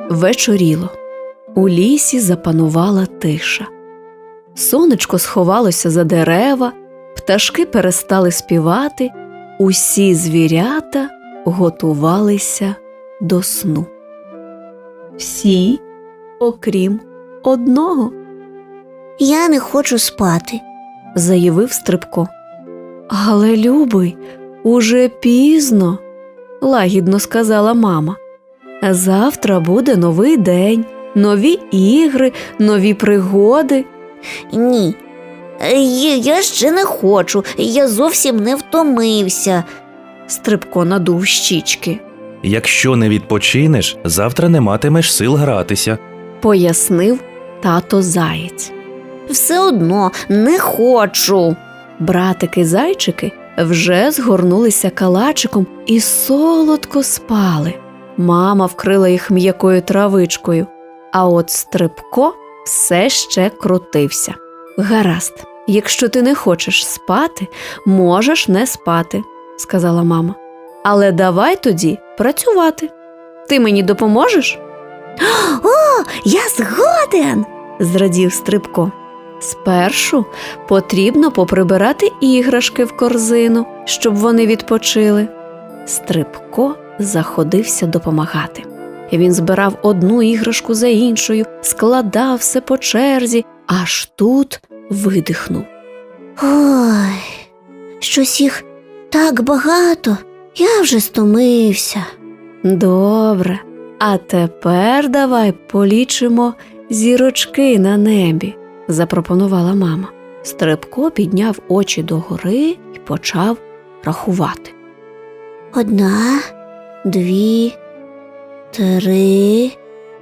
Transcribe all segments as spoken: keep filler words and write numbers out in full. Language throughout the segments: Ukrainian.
Вечоріло. У лісі запанувала тиша. Сонечко сховалося за дерева, пташки перестали співати, усі звірята готувалися до сну. Всі, окрім одного. «Я не хочу спати», – заявив Стрибко. «Але, любий, уже пізно», – лагідно сказала мама. «Завтра буде новий день, нові ігри, нові пригоди». «Ні, я, я ще не хочу, я зовсім не втомився», – Стрибко надув щічки. «Якщо не відпочинеш, завтра не матимеш сил гратися», – пояснив тато Заєць. «Все одно не хочу». Братики-зайчики вже згорнулися калачиком і солодко спали. Мама вкрила їх м'якою травичкою, а от Стрибко все ще крутився. «Гаразд, якщо ти не хочеш спати, можеш не спати», – сказала мама. «Але давай тоді працювати. Ти мені допоможеш?» «О, я згоден!» – зрадів Стрибко. «Спершу потрібно поприбирати іграшки в корзину, щоб вони відпочили». Стрибко заходився допомагати. Він збирав одну іграшку за іншою, складав все по черзі, аж тут видихнув. «Ой, щось їх так багато, я вже стомився». «Добре, а тепер давай полічимо зірочки на небі», – запропонувала мама. Стрибко підняв очі догори і почав рахувати. «Одна, дві, три,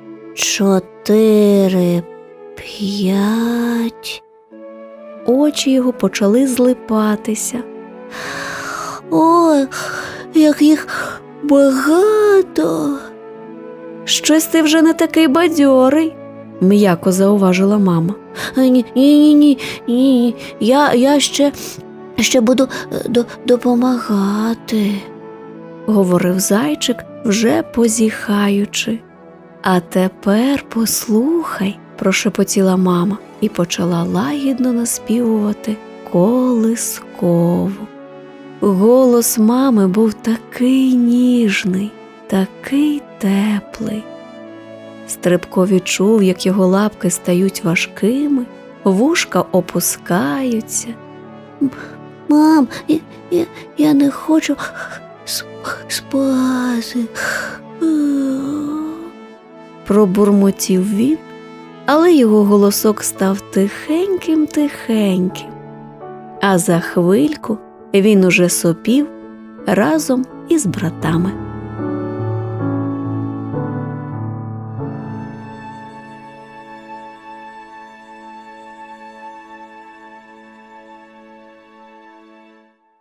чотири, п'ять». Очі його почали злипатися. «Ой, як їх багато!» «Щось ти вже не такий бадьорий», – м'яко зауважила мама. «Ні, ні, ні, ні, я, я ще, ще буду до, допомагати», – говорив зайчик, вже позіхаючи. «А тепер послухай», – прошепотіла мама і почала лагідно наспівувати колискову. Голос мами був такий ніжний, такий теплий. Стрибко відчув, як його лапки стають важкими, вушка опускаються. «Мам, я, я, я не хочу спати», пробурмотів він, але його голосок став тихеньким-тихеньким. А за хвильку він уже сопів разом із братами.